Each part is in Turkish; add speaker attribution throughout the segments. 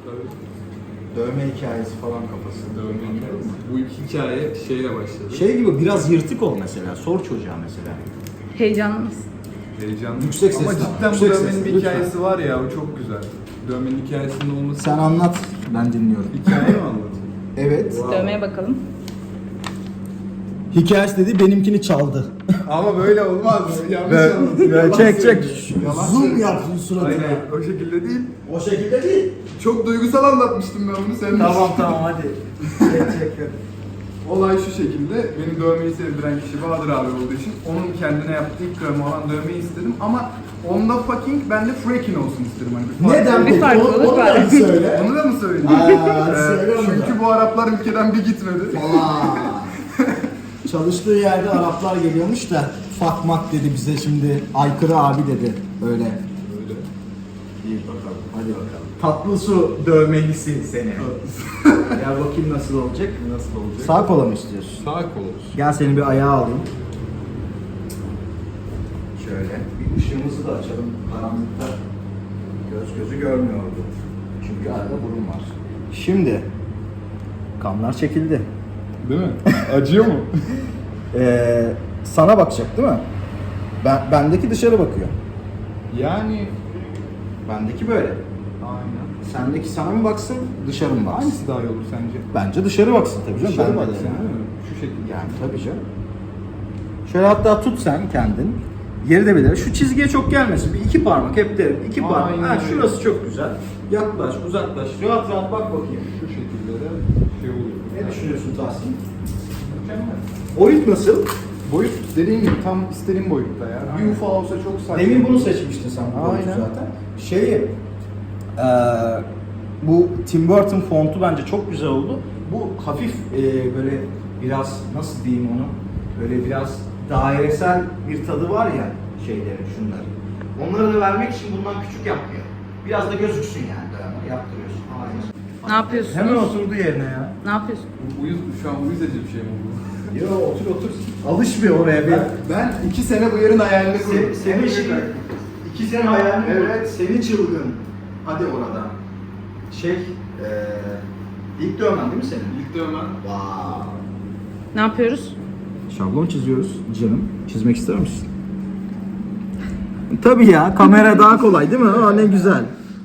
Speaker 1: Dövme hikayesi falan kafası.
Speaker 2: Dövme hikayesi. Bu hikaye şeyle başladı.
Speaker 1: Şey gibi biraz yırtık ol mesela. Sor çocuğa mesela.
Speaker 3: Heyecanlı mısın?
Speaker 2: Heyecanlı.
Speaker 1: Yüksek sesle.
Speaker 2: Ama cidden
Speaker 1: Yüksek
Speaker 2: bu dövmenin
Speaker 1: sesle,
Speaker 2: bir
Speaker 1: lütfen.
Speaker 2: hikayesi var ya, o çok güzel. Dövmenin hikayesinin olması...
Speaker 1: Sen anlat, ben dinliyorum.
Speaker 2: Hikaye mi anlatayım?
Speaker 1: Evet.
Speaker 2: Wow.
Speaker 3: Dövmeye bakalım.
Speaker 1: Hikayesi dedi, benimkini çaldı.
Speaker 2: Ama böyle olmaz. Yanlış anlatıyorsun.
Speaker 1: Böyle
Speaker 2: Yalan
Speaker 1: çek
Speaker 2: söylüyorsun. Yalan
Speaker 1: Zoom
Speaker 2: söylüyorsun.
Speaker 1: yap suratına.
Speaker 2: Aynen, o şekilde değil.
Speaker 1: O şekilde değil.
Speaker 2: Çok duygusal anlatmıştım ben bunu, sen
Speaker 1: Tamam hadi. Çek.
Speaker 2: Olay şu şekilde, beni dövmeyi sevdiren kişi Bahadır abi olduğu için onun kendine yaptığı ilk dövme olan dövmeyi istedim ama onda fucking, ben de freaking olsun istedim. Hani
Speaker 1: Neden
Speaker 3: Bir
Speaker 1: peki?
Speaker 3: farklılık
Speaker 1: Onu
Speaker 3: var.
Speaker 1: da bir söyle.
Speaker 2: Onu da mı söyleyeyim?
Speaker 1: Hadi söyle onu da.
Speaker 2: Çünkü bu Araplar ülkeden bir gitmedi.
Speaker 1: Çalıştığı yerde Araplar geliyormuş da fakmak dedi bize şimdi, aykırı abi dedi. Öyle. İyi bakalım. Hadi bakalım. Tatlı su dövmelisi seni. Gel bakayım nasıl olacak?
Speaker 2: Nasıl olacak?
Speaker 1: Sağ kola mı istiyorsun?
Speaker 2: Sağ kol olsun.
Speaker 1: Gel seni bir ayağa alayım. Şöyle bir ışığımızı da açalım. Karanlıkta gözü görmüyordu. Çünkü arada burun var. Şimdi kanlar çekildi.
Speaker 2: Değil mi? Acıyor mu?
Speaker 1: Sana bakacak değil mi? Bendeki dışarı bakıyor.
Speaker 2: Yani...
Speaker 1: Bendeki böyle.
Speaker 2: Aynen.
Speaker 1: Sendeki sana mı baksın, dışarı mı baksın?
Speaker 2: Hangisi daha iyi olur sence?
Speaker 1: Bence dışarı baksın tabii canım.
Speaker 2: Dışarı
Speaker 1: Ben de
Speaker 2: baksın
Speaker 1: yani.
Speaker 2: değil mi? Şu şekilde.
Speaker 1: Yani tabii canım. Şöyle hatta tut sen kendin. Yeri de bilir. Şu çizgiye çok gelmesin. Bir iki parmak hep derim. İki parmak.
Speaker 2: Aynen
Speaker 1: Ha,
Speaker 2: öyle.
Speaker 1: şurası çok güzel. Yaklaş, uzaklaş. Rahat rahat bak bakayım.
Speaker 2: Şu şekilde de şey oluyor.
Speaker 1: Ne düşünüyorsun Tahsin? Boyut nasıl?
Speaker 2: Boyut dediğim gibi tam istediğim boyutta ya. Bir ufa olsa çok saçma.
Speaker 1: Demin bunu seçmiştin sen bu boyutu
Speaker 2: Aynen.
Speaker 1: zaten. Bu Tim Burton fontu bence çok güzel oldu. Bu hafif böyle biraz nasıl diyeyim onu? Böyle biraz dairesel bir tadı var ya şeylerin, şunların. Onları da vermek için bundan küçük yapmıyor. Biraz da gözüksün yani dövme yaptırıyorsun. Aynen.
Speaker 3: Ne yapıyorsun?
Speaker 1: Hemen oturdu yerine ya.
Speaker 3: Ne yapıyorsun?
Speaker 2: Şu an uyuz edici bir şey mi bu?
Speaker 1: Yo otur. Alışmıyor oraya bir.
Speaker 2: Ben 2 sene bu yerin hayalini kurdum.
Speaker 1: Senin şey, 2 sene hayalini evet. Seni çılgın. Hadi orada. İlk dövmen değil mi senin?
Speaker 2: İlk dövmen.
Speaker 1: Wow.
Speaker 3: Ne yapıyoruz?
Speaker 1: Şablon çiziyoruz canım. Çizmek ister misin? Tabii ya, kamera daha kolay değil mi? Aa, ne güzel.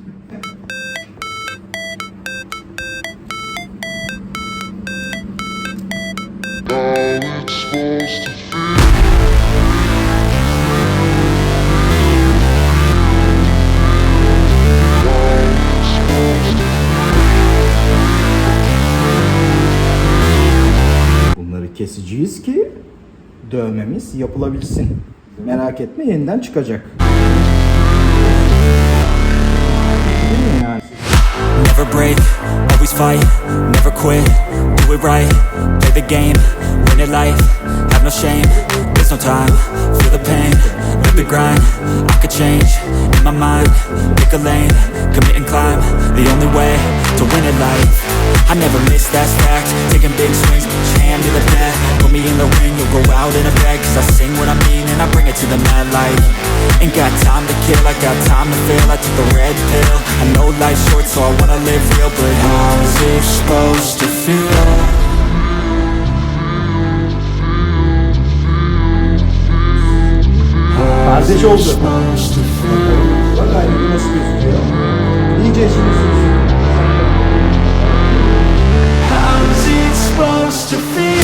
Speaker 1: Bunları keseceğiz ki dövmemiz yapılabilsin. Merak etme, yeniden çıkacak. Değil mi yani?
Speaker 4: Never break, always fight, never quit, do it right, play the game, win it life, have no shame, there's no time, feel the pain, live the grind, I could change, in my mind, pick a lane, commit and climb, the only way to win it life, I never miss, that's fact, taking big swings, each hand to the bat, put me in the ring, you'll go out in a bag, cause I sing what I mean and I bring it to the mad light, ain't got time to kill, I got time to feel, I took the red pill, I know life's short so I wanna live real, but how's it supposed to feel?
Speaker 1: Kardeş oldu. Bak aynı nasıl gözüküyor. İyice işini sürsün.
Speaker 4: How's it supposed to feel?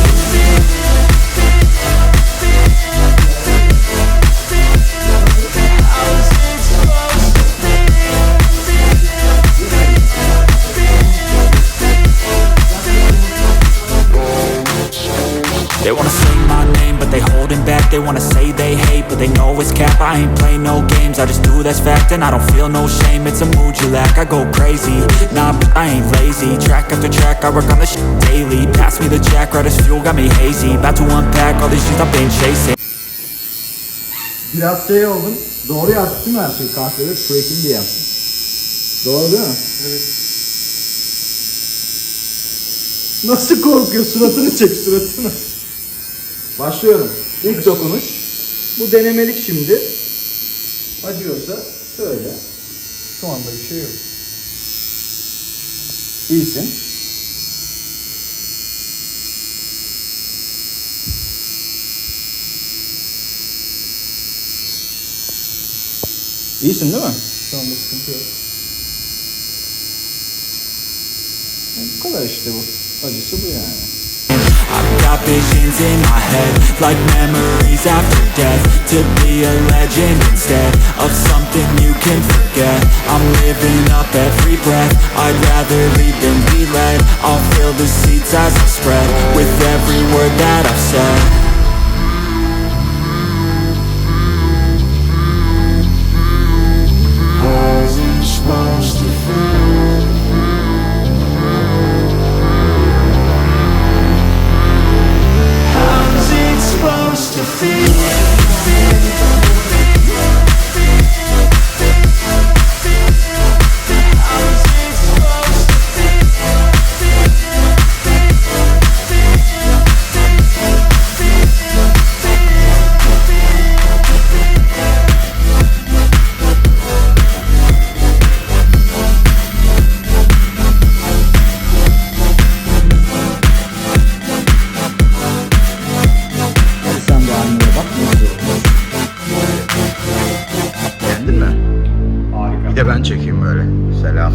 Speaker 4: They wanna say my name, but they holding back. They wanna say they hate, but they know it's cap. I ain't play no games, I just do that's fact. And I don't feel no shame, it's a mood you lack. I go crazy, nah, but I ain't lazy. Track after track, I work on this shit daily. Pass me the jack, right as fuel, got me hazy. About to unpack all these things I've been chasing.
Speaker 1: Biraz şey oldun. Doğru yazdık değil mi her şeyi? Kahvede freaking diye. Doğru değil mi?
Speaker 2: Evet.
Speaker 1: Nasıl korkuyor? Suratını çek, suratını. Başlıyorum. İlk dokunuş. Bu denemelik şimdi. Acıyorsa söyle.
Speaker 2: Şu anda bir şey yok.
Speaker 1: İyisin. İyisin değil mi?
Speaker 2: Şu anda sıkıntı yok.
Speaker 1: Bu kadar işte bu. Acısı bu yani.
Speaker 4: I've got visions in my head, like memories after death. To be a legend instead of something you can forget. I'm living up every breath, I'd rather lead than be led. I'll fill the seats as I spread, with every word that I've said. Wasn't supposed to feel. How's it supposed to feel? How's it supposed to
Speaker 1: Hadi sen de aynaya bak. Nasıl olmuş? Beğendin mi?
Speaker 2: Harika.
Speaker 1: Bir de ben çekeyim böyle. Selam.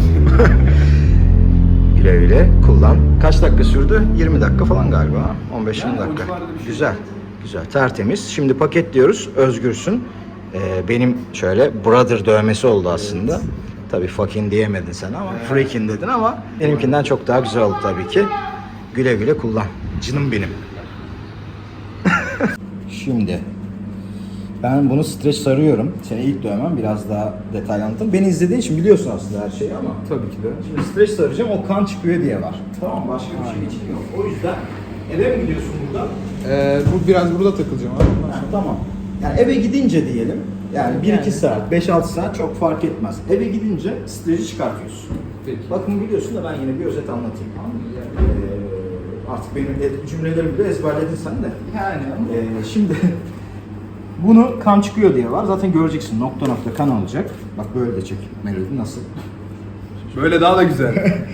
Speaker 1: Güle güle kullan. Kaç dakika sürdü? 20 dakika falan galiba. 15-20
Speaker 2: Yani o
Speaker 1: dakika.
Speaker 2: civarda bir şey.
Speaker 1: Güzel. Güzel. Tertemiz. Şimdi paketliyoruz. Özgürsün. Benim şöyle brother dövmesi oldu aslında. Tabii fucking diyemedin sen ama freaking dedin ama benimkinden çok daha güzel oldu tabii ki. Güle güle kullan. Canım benim. Şimdi ben bunu streç sarıyorum. Seni ilk dövmem biraz daha detaylı anlattım. Beni izlediğin için biliyorsun aslında her şeyi ama.
Speaker 2: Tabii ki de.
Speaker 1: Şimdi streç saracağım, o kan çıkıyor diye var. Tamam, başka bir şey için yok. O yüzden eve mi gidiyorsun buradan?
Speaker 2: Bu biraz burada takılacağım abi.
Speaker 1: Yani tamam. Yani eve gidince diyelim. Yani 1-2
Speaker 2: Yani.
Speaker 1: saat, 5-6 saat çok fark etmez. Eve gidince streci çıkartıyorsun.
Speaker 2: Peki.
Speaker 1: Bakın biliyorsun da ben yine bir özet anlatayım. Artık benim cümlelerimi bile ezberledin sen de.
Speaker 2: Yani
Speaker 1: Şimdi bunu kan çıkıyor diye var. Zaten göreceksin nokta nokta kan alacak. Bak böyle de çek. Melodi nasıl?
Speaker 2: böyle daha da güzel.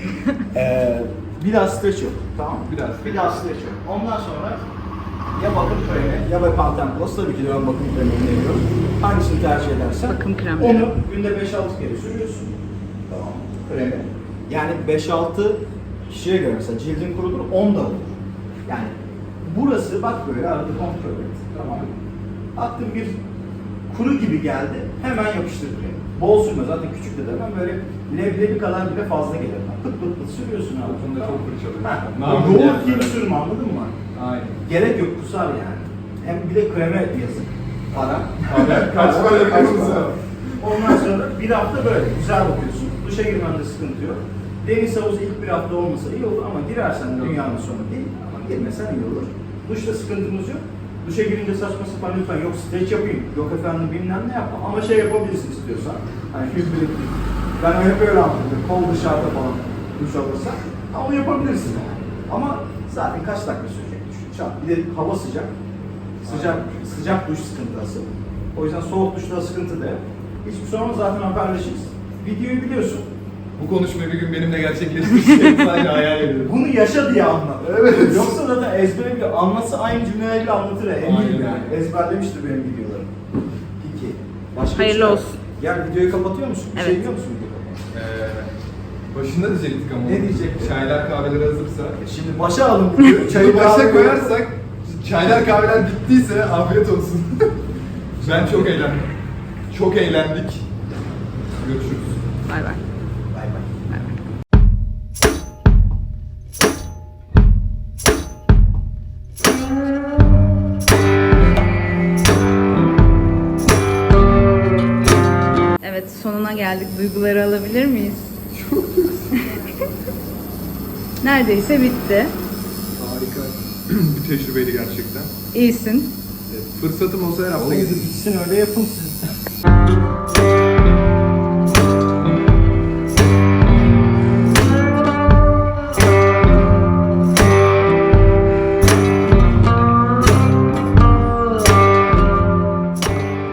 Speaker 1: Bir daha streç yok. Tamam.
Speaker 2: Bir daha
Speaker 1: streç yok. Ondan sonra ya bakım kremi ya da Pantene Plus. Tabii ki de ben bakım kremi öneriyorum. Hangisini tercih edersen.
Speaker 3: Bakım kremleri.
Speaker 1: Onu günde 5-6 kere sürüyorsun. Tamam. Kremi. Yani 5-6 kişiye göre mesela cildin kurudur 10 da olur. Yani burası bak böyle arada kontrol et. Tamam. Attım bir kuru gibi geldi. Hemen yapıştır kremi. Bol sürme zaten küçük de demem böyle leblebi kadar bile fazla gelir. Pıt pıt pıt sürüyorsun abi.
Speaker 2: Bunda çok fırçalıyor.
Speaker 1: Ha,
Speaker 2: Namı
Speaker 1: yoğurt
Speaker 2: diğer
Speaker 1: gibi
Speaker 2: böyle.
Speaker 1: sürme anladın mı?
Speaker 2: Aynen.
Speaker 1: Gerek yok kusar yani. Hem bir de kreme yazık. Para.
Speaker 2: Kaç para yapıyorsun?
Speaker 1: Ondan sonra bir hafta böyle güzel bakıyorsun. Duşa girmende sıkıntı yok. Deniz havuzu ilk bir hafta olmasa iyi olur ama girersen dünyanın sonu değil. Ama girmesen iyi olur. Duşta sıkıntımız yok. Duşa girince saçma sapan lütfen yok streç yapayım, yok efendim bilmem ne yapma. Ama şey yapabilirsin istiyorsan. Hani hübritlik. Ben hep öyle anladım. Kol dışarıda falan duş alırsan. Ama yapabilirsin yani. Ama zaten kaç dakika sürecek duş? Çat. Bir de hava sıcak. Sıcak duş sıkıntısı. O yüzden soğuk duşta sıkıntı da yok. Hiçbir sorun olmaz, zaten haberleşiriz. Videoyu biliyorsun.
Speaker 2: Bu konuşmayı bir gün benimle gerçekleştirecek sadece hayal ediyorum.
Speaker 1: Bunu yaşa diye anlat.
Speaker 2: Evet.
Speaker 1: Yoksa zaten ezbere bile anlatsa aynı cümlelerle anlatır ya. Eminim
Speaker 2: Aynen.
Speaker 1: yani. Ezberlemiştir benim videolarım. Peki. Başka
Speaker 3: Hayırlı
Speaker 1: bir şey var.
Speaker 3: olsun.
Speaker 1: Gel videoyu kapatıyor musun? Bir şey
Speaker 3: Evet.
Speaker 1: biliyor musun videoyu kapatmak?
Speaker 2: Başında diyecektik ama.
Speaker 1: Ne diyecektik?
Speaker 2: Çaylar kahveler hazırsa.
Speaker 1: Şimdi başa alın videoyu.
Speaker 2: Çayı başa
Speaker 1: kahve-
Speaker 2: koyarsak, çaylar kahveler bittiyse afiyet olsun. Ben çok eğlendim. Çok eğlendik. Görüşürüz.
Speaker 3: Bay bay.
Speaker 1: Bay bay.
Speaker 3: Bay bay. Evet, sonuna geldik. Duyguları alabilir miyiz? Neredeyse bitti.
Speaker 2: Harika. Bir tecrübeydi gerçekten.
Speaker 3: İyisin.
Speaker 2: Fırsatım olsa her hafta
Speaker 1: Oğlum
Speaker 2: gidip
Speaker 1: bitsin öyle yapın siz.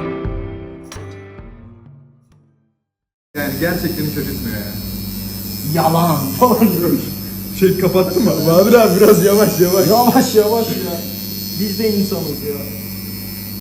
Speaker 2: yani gerçekten hiç acıtmıyor yani.
Speaker 1: yalan falan diyor.
Speaker 2: Şey kapattın mı? Bahadır abi biraz yavaş.
Speaker 1: Yavaş yavaş ya. Biz de insanız ya.